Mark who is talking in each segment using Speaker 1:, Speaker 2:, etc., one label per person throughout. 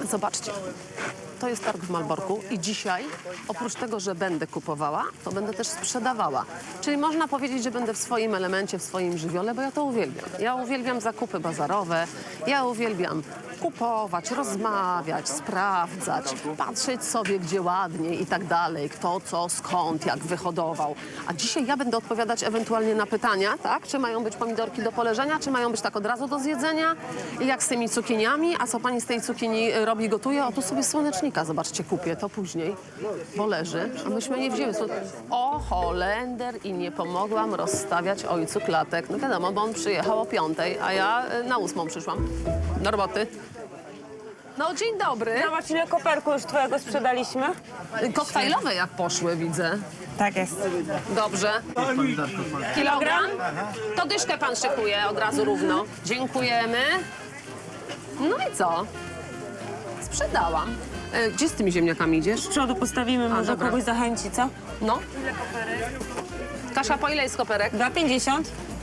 Speaker 1: Zobaczcie, to jest targ w Malborku i dzisiaj, oprócz tego, że będę kupowała, to będę też sprzedawała. Czyli można powiedzieć, że będę w swoim elemencie, w swoim żywiole, bo ja to uwielbiam. Ja uwielbiam zakupy bazarowe, ja uwielbiam kupować, rozmawiać, sprawdzać, patrzeć sobie, gdzie ładniej i tak dalej, kto, co, skąd, jak wyhodował. A dzisiaj ja będę odpowiadać ewentualnie na pytania, tak? Czy mają być pomidorki do poleżenia, czy mają być tak od razu do zjedzenia? I jak z tymi cukiniami? A co pani z tej cukinii robi, gotuje? O, tu sobie słonecznika, zobaczcie, kupię to później, bo leży. A myśmy nie wzięły. O, Holender i nie pomogłam rozstawiać ojcu klatek. No wiadomo, bo on przyjechał o 5:00, a ja na 8:00 przyszłam do roboty. No, dzień dobry.
Speaker 2: Zobacz, ile koperku już twojego sprzedaliśmy.
Speaker 1: Koktajlowe jak poszły, widzę.
Speaker 2: Tak jest.
Speaker 1: Dobrze. Kilogram? To dyszkę pan szykuje od razu równo. Dziękujemy. No i co? Sprzedałam. Gdzie z tymi ziemniakami idziesz?
Speaker 2: Z przodu postawimy, może
Speaker 1: dobra.
Speaker 2: kogoś zachęci, co?
Speaker 1: No. Kasia, po ile jest koperek?
Speaker 2: 2,50.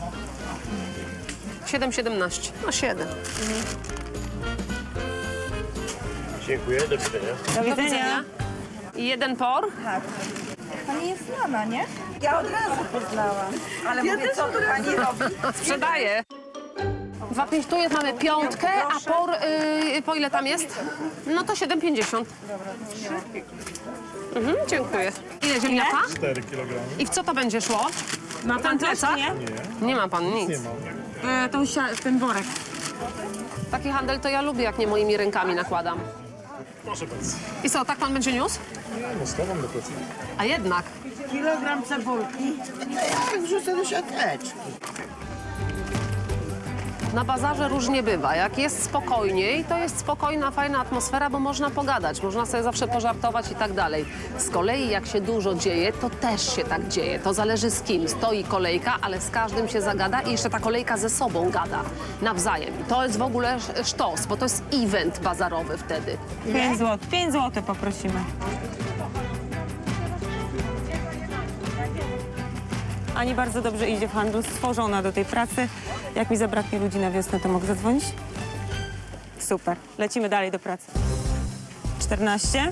Speaker 1: 7,17. No 7.
Speaker 3: Dziękuję, do widzenia.
Speaker 2: Do
Speaker 1: Do
Speaker 2: widzenia.
Speaker 1: widzenia. I jeden por.
Speaker 4: Pani jest znana, nie? Ja od razu poznałam. Ale mówię, co tu pani robi?
Speaker 1: Sprzedaję. 2,5 tu jest, mamy piątkę, a por, po ile tam jest? No to 7,50. Dziękuję. Ile ziemniaka?
Speaker 3: 4 kg.
Speaker 1: I w co to będzie szło?
Speaker 2: Ma pan coś,
Speaker 1: plecak?
Speaker 2: czy nie?
Speaker 1: Nie ma pan nic.
Speaker 3: Nie mam.
Speaker 2: Ten worek.
Speaker 1: Taki handel to ja lubię, jak nie moimi rękami nakładam.
Speaker 3: Proszę bardzo.
Speaker 1: I co, tak pan będzie niósł?
Speaker 3: Nie, no schowam do plecy.
Speaker 1: A jednak.
Speaker 4: Kilogram cebulki. Wrzucę do siateczki.
Speaker 1: Na bazarze różnie bywa. Jak jest spokojniej, to jest spokojna, fajna atmosfera, bo można pogadać, można sobie zawsze pożartować i tak dalej. Z kolei jak się dużo dzieje, to też się tak dzieje. To zależy z kim. Stoi kolejka, ale z każdym się zagada i jeszcze ta kolejka ze sobą gada nawzajem. I to jest w ogóle sztos, bo to jest event bazarowy wtedy.
Speaker 2: 5 zł. 5 zł poprosimy. Ani bardzo dobrze idzie w handlu, stworzona do tej pracy. Jak mi zabraknie ludzi na wiosnę, to mogę zadzwonić? Super. Lecimy dalej do pracy. 14.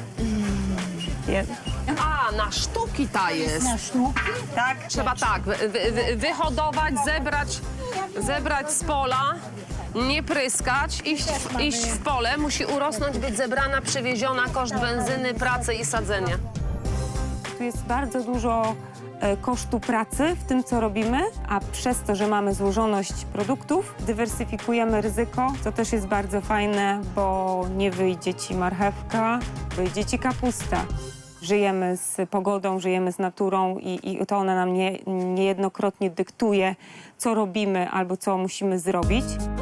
Speaker 1: A, na sztuki ta jest.
Speaker 4: Na sztuki?
Speaker 2: Tak.
Speaker 1: Trzeba tak, wyhodować, zebrać z pola, nie pryskać, iść w pole, musi urosnąć, być zebrana, przywieziona, koszt benzyny, pracy i sadzenia.
Speaker 2: Tu jest bardzo dużo kosztu pracy w tym, co robimy, a przez to, że mamy złożoność produktów, dywersyfikujemy ryzyko, co też jest bardzo fajne, bo nie wyjdzie ci marchewka, wyjdzie ci kapusta. Żyjemy z pogodą, żyjemy z naturą i to ona nam niejednokrotnie dyktuje, co robimy albo co musimy zrobić.